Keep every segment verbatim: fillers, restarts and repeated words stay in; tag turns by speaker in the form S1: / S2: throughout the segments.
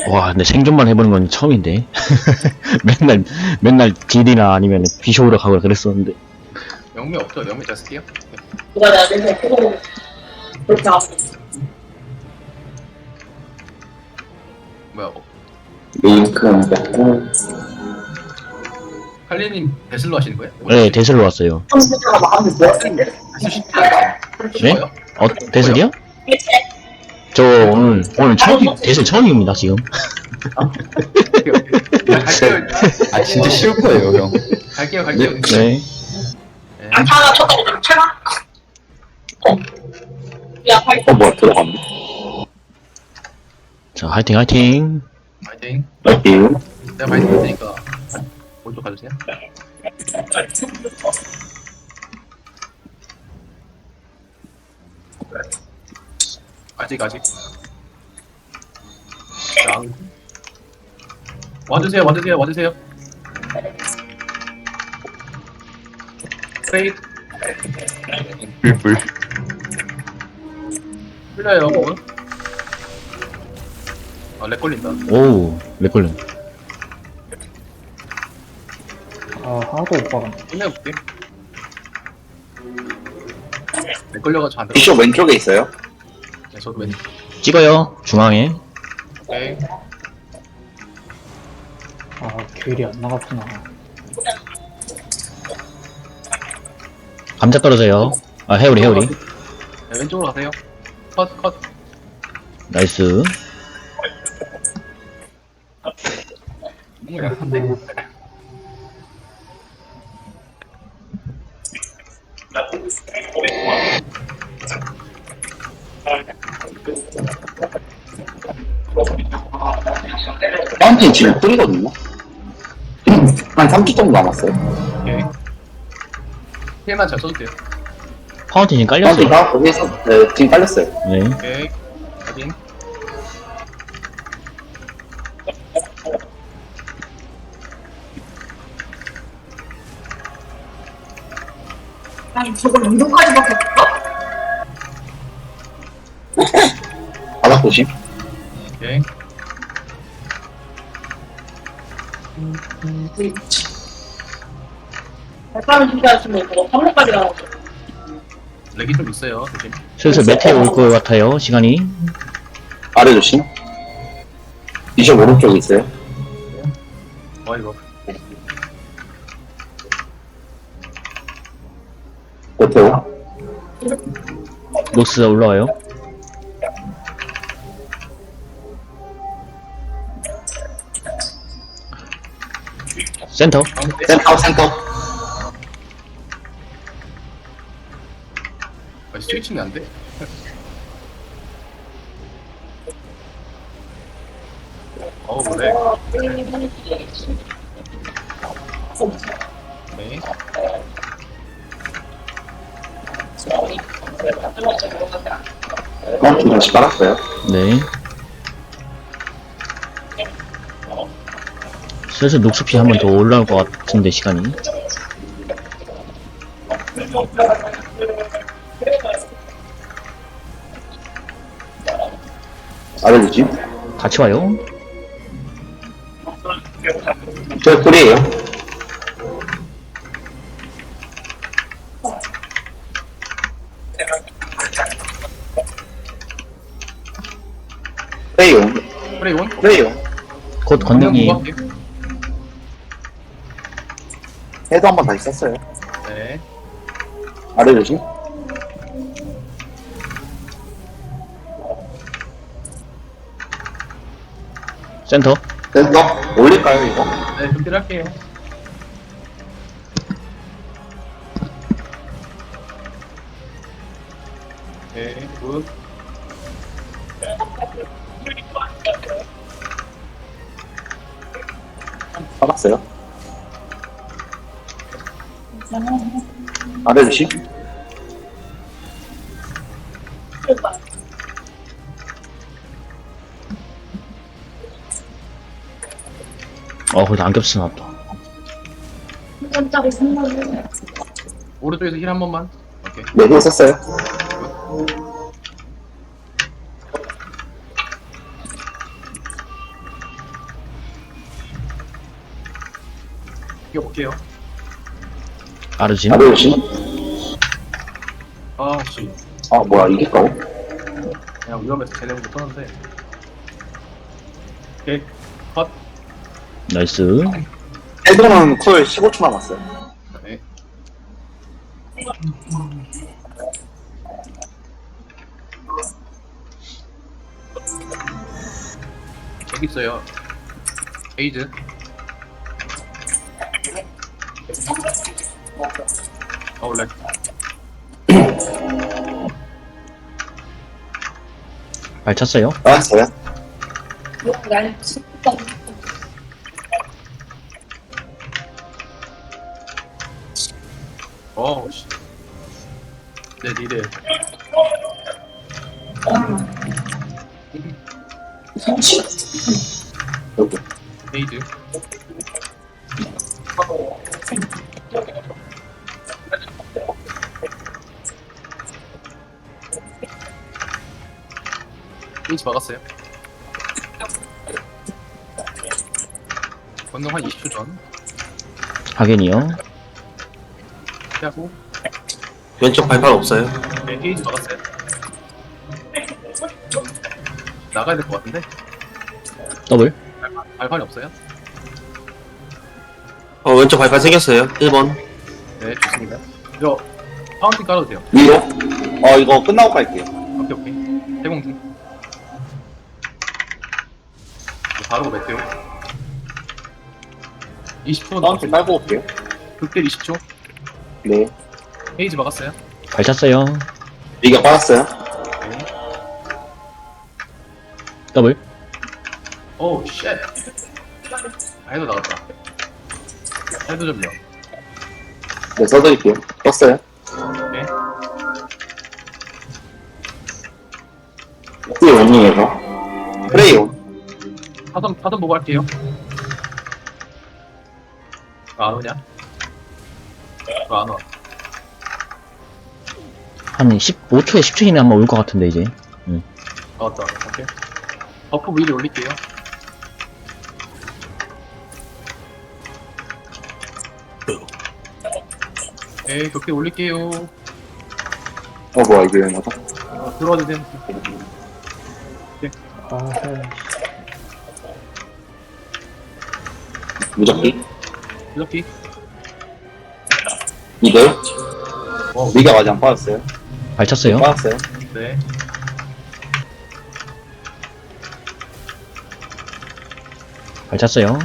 S1: 와, 근데 생존만 해보는 건 처음인데. 맨날, 맨날 딜이나 아니면 비쇼우러 가고 그랬었는데.
S2: 영미 없죠? 영미 제가 쓸게요.
S3: 누가 내가 맨날 그거 그렇게 하고
S2: 뭐야? 어,
S4: 링크 먹고
S2: 칼리님 데슬로 하시는 거예요?
S1: 네, 대슬로 왔어요.
S3: 컴퓨터가 마음이 뭐였는데?
S2: 데슬 쉽지 않아요.
S1: 네? 어, 대슬이요? 저 오늘, 오늘 처음, 대슬 처음입니다, 지금.
S2: 갈게요.
S4: 아 진짜 쉬울 거예요 형.
S2: 갈게요. 갈게요.
S1: 네.
S2: 네.
S3: 하나 쳤다고 좀 채가? 어. 야, 발톱.
S4: 어 뭐야 들어갔네.
S1: 자, 화이팅, 화이팅.
S2: 파이팅.
S4: 여기
S2: 내가 파이팅 할 테니까 오른쪽 가주세요. 아직 아직. 자, 와주세요. 와주세요. 와주세요. 페이트
S4: 불불.
S2: 풀려요. 뭐? 아, 렉 걸린다.
S1: 오우, 렉걸림.
S5: 아, 하나도 못 박았네.
S2: 끝내볼게. 렉 걸려가지고 안 들어.
S4: 비숍 왼쪽에 있어요.
S2: 네, 저도 왼.
S1: 찍어요, 중앙에.
S2: 오케이.
S5: 아, 귤이 안 나갔구나.
S1: 감자 떨어져요. 아, 해오리, 해오리.
S2: 네, 왼쪽으로 가세요. 컷, 컷.
S1: 나이스.
S2: 너무 약한데.
S4: 파운틴 지금 뿌리거든요. 한 삼 주 정도 남았어요.
S2: 오케이. 힐만 잘 써도 돼요.
S1: 파운틴 지금
S4: 파운틴
S1: 깔렸어요.
S4: 다 거기에서 네, 지금 깔렸어요.
S1: 네.
S2: 오케이. 확인.
S3: 아니, 저걸 운동까지 바꿨어?
S4: 바닥 조심.
S2: 오케이.
S3: 백사는 준비하시면 그거 삼 일까지 가라고.
S2: 렉이 좀 있어요. 조심.
S1: 슬슬 메테오 올 것 같아요, 시간이.
S4: 아래 조심. 비숍 오른쪽에 있어요.
S2: 어, 이거.
S4: 메테오.
S1: 녹스 올라와요. 센터.
S2: 가운데.
S4: 센터 센터.
S2: 아, 스위칭이 안 돼? 어우, 그래. 오케이.
S4: 파운틴 다시 깔았어요.
S1: 네. 슬슬 녹스피 한 번 더 올라올 것 같은데, 시간이.
S4: 아래 조심.
S1: 같이 와요.
S4: 저 꿀이에요. 프레이온.
S2: 프레이온?
S4: 프레이온.
S1: 곧 건능이.
S4: 해도 한 번 다시 썼어요.
S2: 네.
S4: 아래 조심.
S1: 센터.
S4: 센터. 올릴까요 이거?
S2: 네, 준비를 할게요. 네, 굿.
S4: 받았어요. 아래 조심.
S1: 어, 거기다 안겹스 나왔다.
S3: 깜짝이 생각나.
S2: 오른쪽에서 힐 한 번만. 오케이.
S4: 네, 힐 썼어요.
S2: 이거 볼게요.
S1: 아르진.
S4: 아르신?
S2: 아씨,
S4: 아, 뭐야, 이길까고?
S2: 그냥 위험해서 쟤네부터 떠는데. 오케이, 컷.
S1: 나이스.
S4: 헤드는 쿨 십오 초 남았어요.
S2: 네. 여기 있어요. 에이드. 어, 원래.
S1: 발 찼어요.
S4: 알았어요.
S3: 날 진짜.
S2: 어우, 씨. 네, 니네.
S4: 여기.
S2: 에이드. 에이지 막았어요. 건너 한 이십 초 전.
S1: 하겐이요.
S2: 피하고.
S6: 왼쪽 발판 없어요.
S2: 네, 에이지 막았어요. 나가야 될 것 같은데?
S1: 더블.
S2: 발판이 없어요?
S6: 어, 왼쪽 발판 생겼어요. 일 번.
S2: 네, 좋습니다. 이거 파운틴 깔아도 돼요.
S4: 위로? 어, 이거 끝나고 갈게요.
S2: 오케이, 오케이. 해공 중. 바로 메테오. 이십 초
S4: 다운팀
S2: 남았어요.
S4: 깔고 올게요.
S2: 극딜 이십 초.
S4: 네.
S2: 헤이즈 막았어요.
S1: 발 찼어요.
S4: 이게 빠졌어요.
S2: 네.
S1: 더블.
S2: 오우, 쉣. 해도 나갔다. 해도 좀요.
S4: 네, 써드릴게요. 떴어요.
S2: 네.
S4: 프레이 온닝에서. 프레이 온.
S2: 사선, 사선 보고 할게요. 아, 안 오냐? 아, 안 와.
S1: 한 십오 초에 십 초 이내에 한번 올 것 같은데, 이제.
S2: 아, 왔다. 오케이. 버프 위로 올릴게요. 네, 격대 올릴게요.
S4: 어, 뭐야, 이거 뭐다?
S2: 어, 들어와 주세요.
S5: 아, 네.
S4: 무적기.
S2: 이렇게.
S4: 이들.
S2: 어,
S4: 미가 아직 안 빠졌어요.
S1: 발 찼어요.
S4: 빠졌어요.
S2: 네.
S1: 발 찼어요.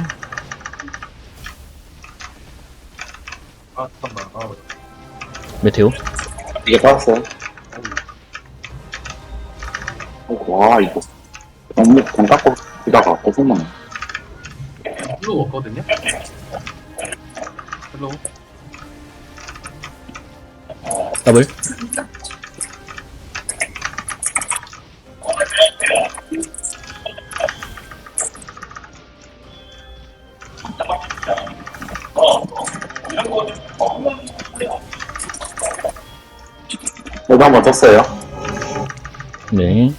S2: 아, 잠깐만. 아,
S1: 메테오.
S4: 이게 빠졌어요. 어, 와, 이거. 너무 돈 깎고 기다가 어색만.
S2: 플로우 없거든요? 플로우.
S1: 더블.
S4: 저도 한번 떴어요.
S1: 네.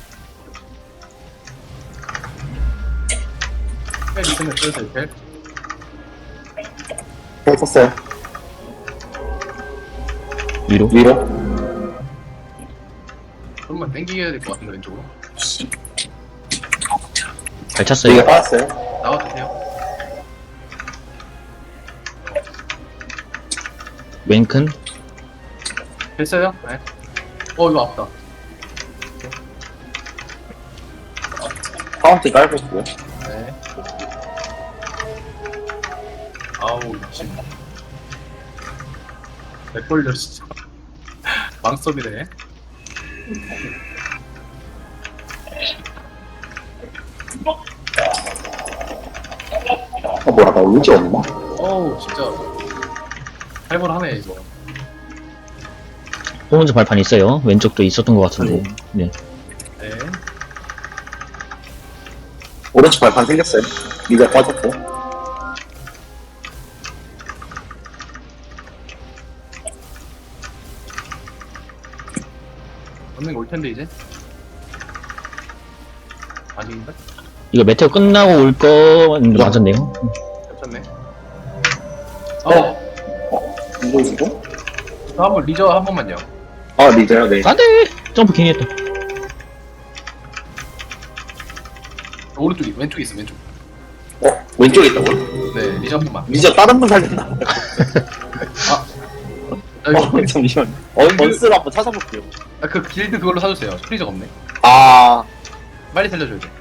S2: 헬 있으면 써주세요, 헬.
S4: 또 떴어요.
S1: 위로.
S4: 위로.
S2: 좀만 땡기게 될 것 같은데, 왼쪽으로.
S1: 발 찼어요.
S4: 이게 빠졌어요.
S2: 나와주세요.
S1: 왼큰.
S2: 됐어요? 네. 어, 이거 아프다.
S4: 파운틴 깔고 있고요.
S2: 네. 아우, 미친. 맥걸려, 진짜. 망섭이네.
S4: 어, 뭐야, 나 의지 없나?
S2: 어우, 진짜. 살벌하네, 이거.
S1: 오른쪽 발판 있어요. 왼쪽도 있었던 것 같은데. 네.
S2: 네.
S4: 오른쪽 발판 생겼어요. 미가 빠졌고.
S2: 언능 올 텐데, 이제. 아닌가?
S1: 이거 메테오 끝나고 올 거 맞았네요.
S2: 괜찮네. 어,
S4: 이거 주고?
S2: 저 한번 리저 한 번만요.
S4: 아, 리더요, 네.
S1: 안돼! 점프 괜히 했다.
S2: 오른쪽이, 왼쪽에 있어, 왼쪽.
S4: 어, 왼쪽에 있다고요?
S2: 네, 리저 한 번만.
S4: 리저 다른 분 살린다.
S2: 아, 아, 이거,
S4: 어, 잠시만. 어, 번스를 한번 찾아볼게요.
S2: 아, 그 길드 그걸로 사주세요. 프리저가 없네.
S4: 아,
S2: 빨리 살려줘야 돼.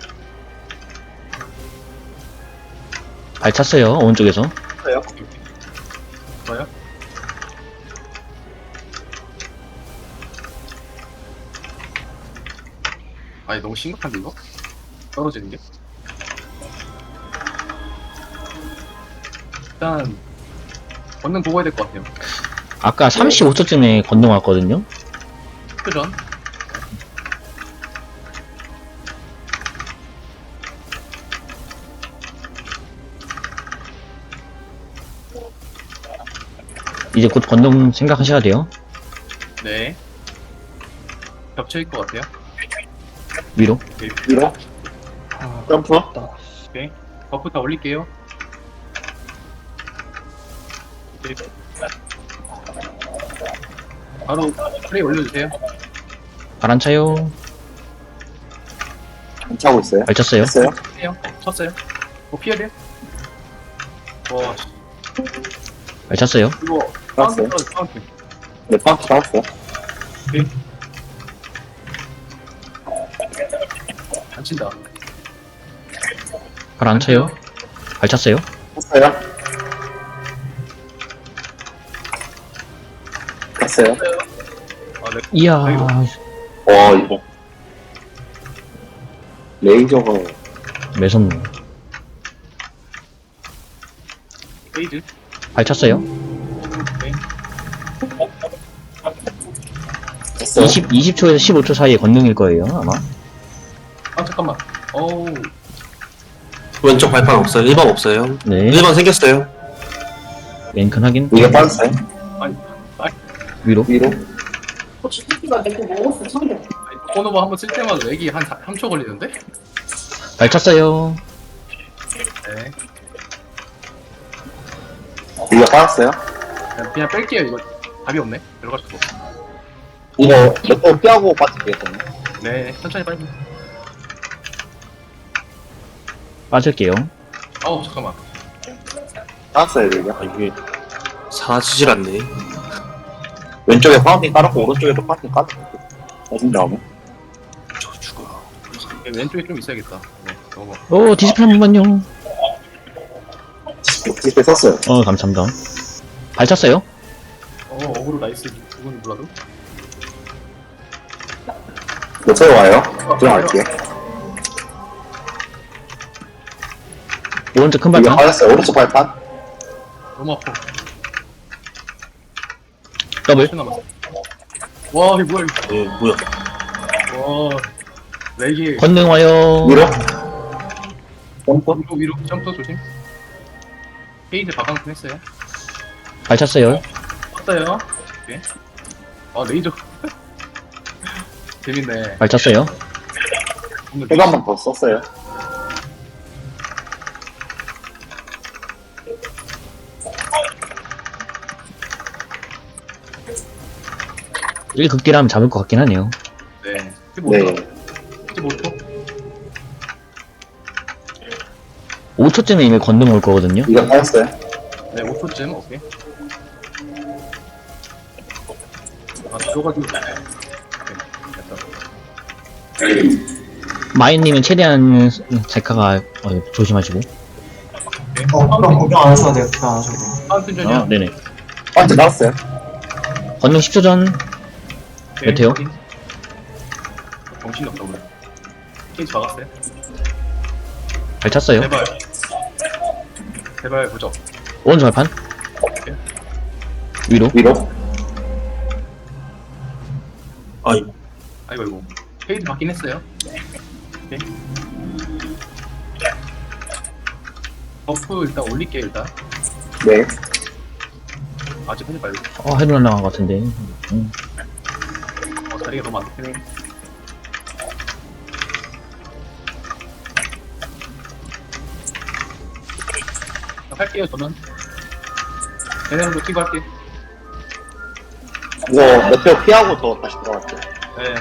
S1: 발 찼어요, 오른쪽에서.
S4: 그래요?
S2: 뭐요? 아니, 너무 심각한데, 이거? 떨어지는 게? 일단, 걷는 보고 해야 될 것 같아요.
S1: 아까 삼십오 초쯤에 건능 왔거든요?
S2: 표전.
S1: 이제 곧 건능 생각하셔야 돼요.
S2: 네. 겹쳐일 것 같아요.
S1: 위로.
S4: 위로?
S5: 아,
S4: 점프?
S5: 나
S2: 오케이. 버프 다 올릴게요. 오케이. 바로 프레이 올려주세요.
S1: 발 안 차요.
S4: 안 차고 있어요?
S1: 발 찼어요.
S4: 했어요?
S2: 해요. 쳤어요. 뭐 피해야 돼요? 와, 씨.
S1: 발 찼어요.
S2: 이거
S4: 알았어요.
S2: 카운트, 카운트.
S4: 네, 파운트 나왔어요.
S2: 오케이. 안 친다.
S1: 발 안 차요. 발 찼어요.
S4: 했어요? 했어요?
S2: 아, 네.
S1: 이야.
S2: 아이고.
S4: 와, 이거. 레이저가.
S1: 매섭네.
S2: 페이즈.
S1: 발 찼어요.
S2: 오케이.
S4: 했어요?
S1: 이십, 이십 초에서 십오 초 사이에 건능일 거예요, 아마.
S2: 아, 잠깐만. 어우.
S6: 왼쪽 발판 없어요. 일 번 없어요.
S1: 네.
S6: 일 번 생겼어요.
S1: 왼큰 확인.
S4: 이거 빠졌어요?
S2: 아니, 아니,
S1: 위로.
S4: 위로?
S3: 고추기가 내거 먹었어, 참려.
S2: 아니, 코너버 한번 쓸 때마다 렉이 한 삼 초 걸리는데?
S1: 발 찼어요.
S2: 네.
S4: 이거 빠졌어요?
S2: 그냥, 그냥 뺄게요, 이거. 답이 없네. 들어갈 수가 없어.
S4: 이거 몇번 피하고 빠질게요.
S2: 네, 천천히 빨리.
S1: 빠질게요.
S2: 어우, 잠깐만.
S4: 빠졌어요, 이거.
S6: 아, 이게 사라지질 않네.
S4: 왼쪽에 파운딩 깔았고, 오른쪽에도 파운딩 깔았고. 빠진 다음에.
S6: 저 죽어.
S2: 네, 왼쪽에 좀 있어야겠다. 네, 너무.
S1: 오, 디스플레이 한 번만요.
S4: 디스플레이 썼어요.
S1: 어, 감사합니다. 발 찼어요.
S2: 어, 어그로 나이스. 그건 몰라도.
S4: 몇 초에 와요? 들어갈게요.
S1: 오른쪽 큰
S4: 이거
S1: 발판.
S4: 빠졌어요. 오른쪽 발판.
S2: 너무 아파.
S1: 더블.
S2: 십 초 남았어. 와, 이게 뭐야, 이거.
S6: 예, 뭐야.
S2: 와. 렉이.
S1: 건능 와요.
S4: 위로? 점프?
S2: 위로, 위로. 점프 조심. 페이지 바강품 했어요.
S1: 발 찼어요.
S2: 떴어요. 오케이. 아, 레이저. 재밌네.
S1: 발 찼어요.
S2: 오늘
S4: 해가 한 번 더 썼어요.
S1: 일 극딜하면 잡을 것 같긴 하네요.
S2: 네. 십오 초.
S4: 네.
S2: 십오 초.
S1: 오 초쯤에 이미 건능 올 거거든요.
S4: 이거 빠졌어요.
S2: 네, 오 초쯤. 오케이. 아, 들어가지고. 오케이. 됐다.
S1: 마인님은 최대한 제카가 어, 조심하시고.
S2: 어,
S7: 그럼 걱정 안 하셔도 돼요. 걱정 안 하셔도 돼요.
S2: 파운틴
S1: 아,
S2: 전이야.
S1: 네네.
S4: 파운딩 나왔어요.
S1: 건능 십 초 전. 몇 회요?
S2: 정신이 없다, 오늘. 케이지 박았어요.
S1: 발 찼어요.
S2: 제발. 제발, 보죠.
S1: 오른쪽 발판. 위로.
S4: 위로?
S6: 아이,
S2: 아이고, 아이고. 페이지 받긴 했어요. 오케이. 버프 일단 올릴게요, 일단.
S4: 네.
S2: 아직 하지 말고.
S1: 어, 헤드 날라간 것 같은데. 음.
S2: 어, 자리가 너무 안 좋네. 할게요, 저는. 얘네는 놓치고 할게.
S4: 이거 몇표 피하고 더 다시 들어갈게요.
S2: 네.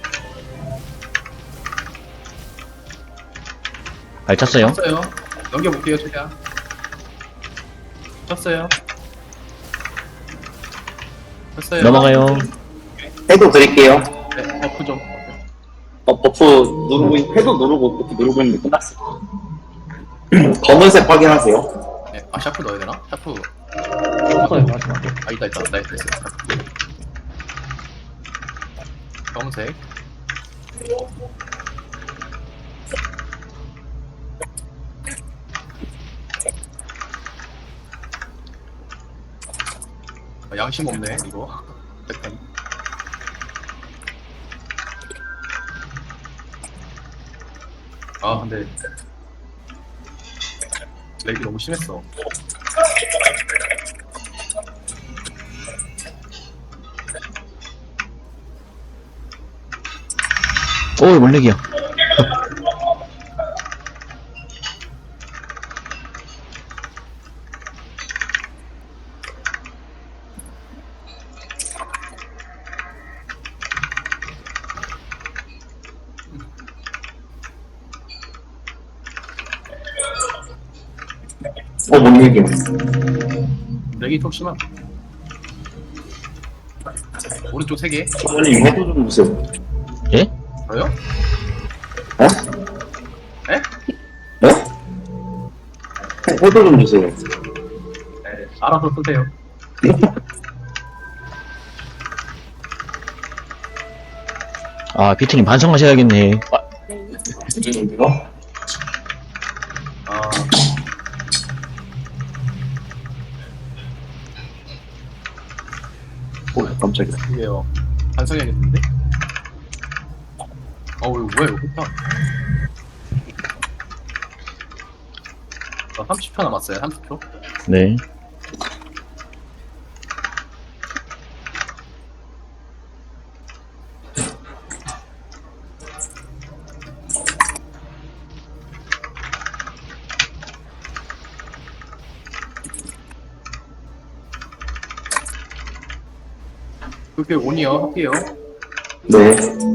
S1: 발 찼어요.
S2: 쳤어요. 넘겨볼게요, 최대한. 쳤어요. 쳤어요.
S1: 넘어가요.
S4: 해도 드릴게요.
S2: 네, 버프 좀.
S4: 어, 버프 누르고, 있- 해도 누르고, 버프 누르고 있는데 끝났어. 검은색 확인하세요.
S2: 네, 아, 샤프 넣어야 되나? 샤프.
S5: 없어요, 마지막에.
S2: 아, 있다, 있다. 나이스, 나이스. 검은색. 아, 양심 없네, 이거. 백판. 아, 근데. 렉이 너무 심했어.
S1: 오, 원렉이야.
S4: 어, 뭔 얘기야.
S2: 렉이 좀 심한. 오른쪽 세 개.
S4: 저번에 해도 좀 주세요.
S1: 예?
S2: 저요?
S4: 어?
S2: 에?
S4: 네? 해도 좀 주세요.
S2: 네, 알아서 쓰세요.
S1: 아, 비트님 반성하셔야겠네. 아,
S4: 이거?
S2: 아,
S4: 오, 깜짝이야.
S2: 이게요. 반성해야겠는데? 어, 이거 뭐야, 이거 좋다. 나 삼십 초 남았어요, 삼십 초.
S1: 네.
S2: 그렇게 온이요, 할게요.
S4: 네.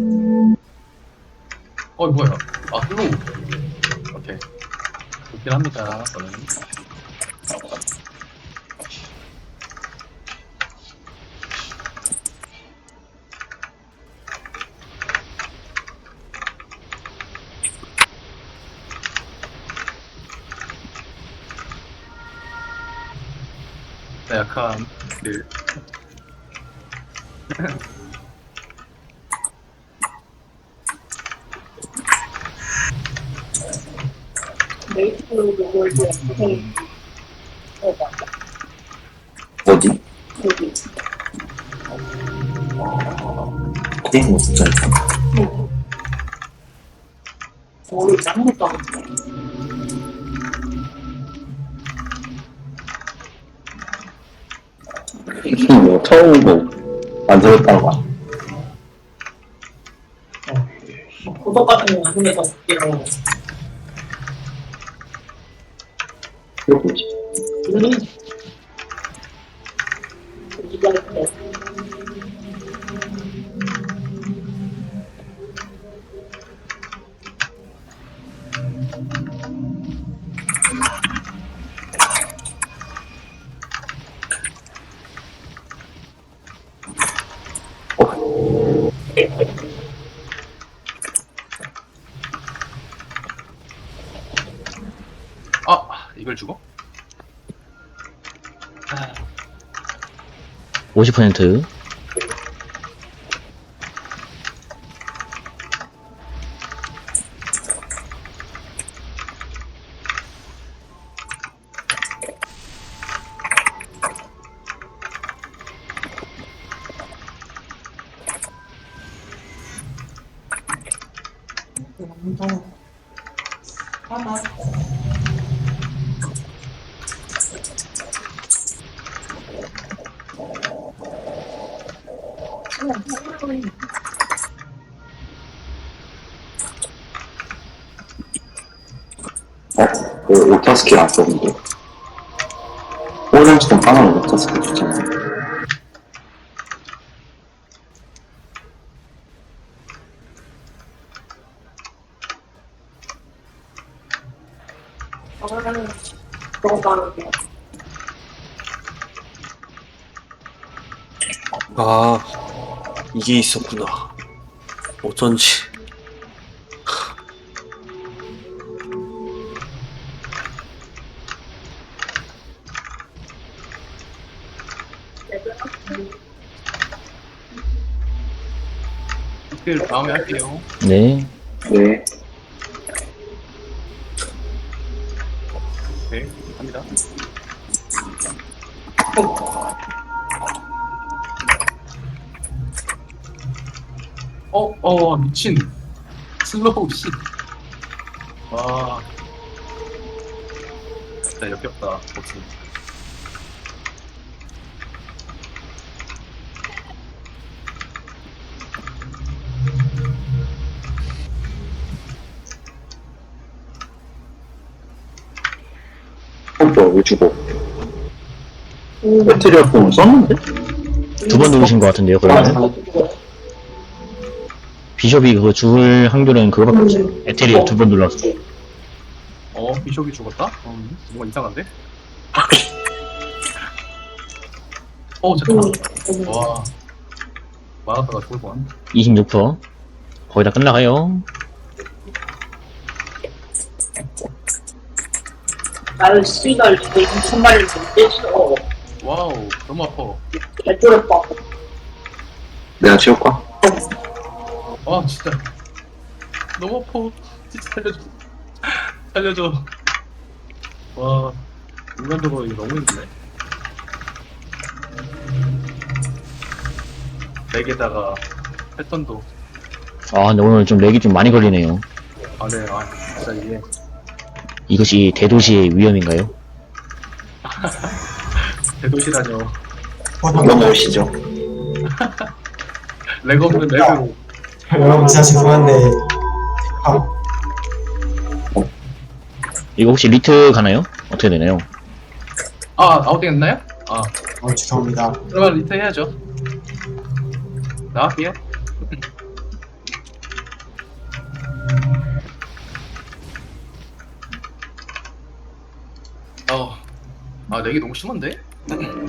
S2: 어, 뭐야. 아, 슬로우. 오케이. 좋긴 합니다, 저는. 나 약간, 그,
S3: 메이트로 골드 에스케이
S4: 어디?
S3: 여기
S4: 게임 진짜 있다.
S3: 머리 아무것도 안 돼.
S4: 뭐, 처음 뭐, 만들었다는 거야.
S3: 고독 같은 거 눈에서 이런
S4: 이거 뭐지?
S3: 음. 이거 이렇게
S2: 아, 이걸 주고?
S1: 오십 퍼센트.
S3: 완전 하나
S4: 어? 그, 오타 스킬 안 썼는데? 오렌지 진짜 하나를 못 쳤을 때 좋잖아.
S3: 저는 너무 많은데.
S6: 아, 이게 있었구나. 어쩐지.
S2: 스킬 다음에 할게요.
S1: 네.
S4: 네.
S2: 네, 갑니다. 어, 어, 미친. 슬로우, 씨. 와. 진짜 역겹다, 버튼.
S4: 어, 왜 죽어? 배터리가 뽕을 썼는데?
S1: 두 번 누르신 것 같은데요, 그러면? 비숍이 그거 죽을 확률은 그거밖에 없어요. 에테리얼 두 번 눌렀어.
S2: 어, 비숍이 죽었다? 어, 뭔가 이상한데? 어, 잠깐만. 와. 마라타가 죽을 뻔.
S1: 이십육 퍼센트. 거의 다 끝나가요.
S3: 나를 씨발 이거 이천 마리를 못 떼줘.
S2: 와우, 너무 아파.
S3: 개쫄을 뻔.
S4: 내가 지울까?
S2: 아, 진짜. 너무 아파. 진짜 살려줘. 살려줘. 와, 인간적으로 이거 너무 힘드네. 렉에다가 패턴도.
S1: 아, 근데 오늘 좀 렉이 좀 많이 걸리네요.
S2: 아, 네, 아, 진짜 이게.
S1: 이것이 대도시의 위험인가요?
S2: 대도시라뇨.
S4: 넘어오시죠.
S2: 렉 없는 렉으로.
S7: 여러분 진짜 죄송한데 아,
S1: 이거 혹시 리트 가나요? 어떻게 되나요?
S2: 아, 아웃팅 했나요? 아,
S7: 어, 죄송합니다.
S2: 그러면 리트 해야죠. 나갈게요. 어, 아, 렉이 너무 심한데?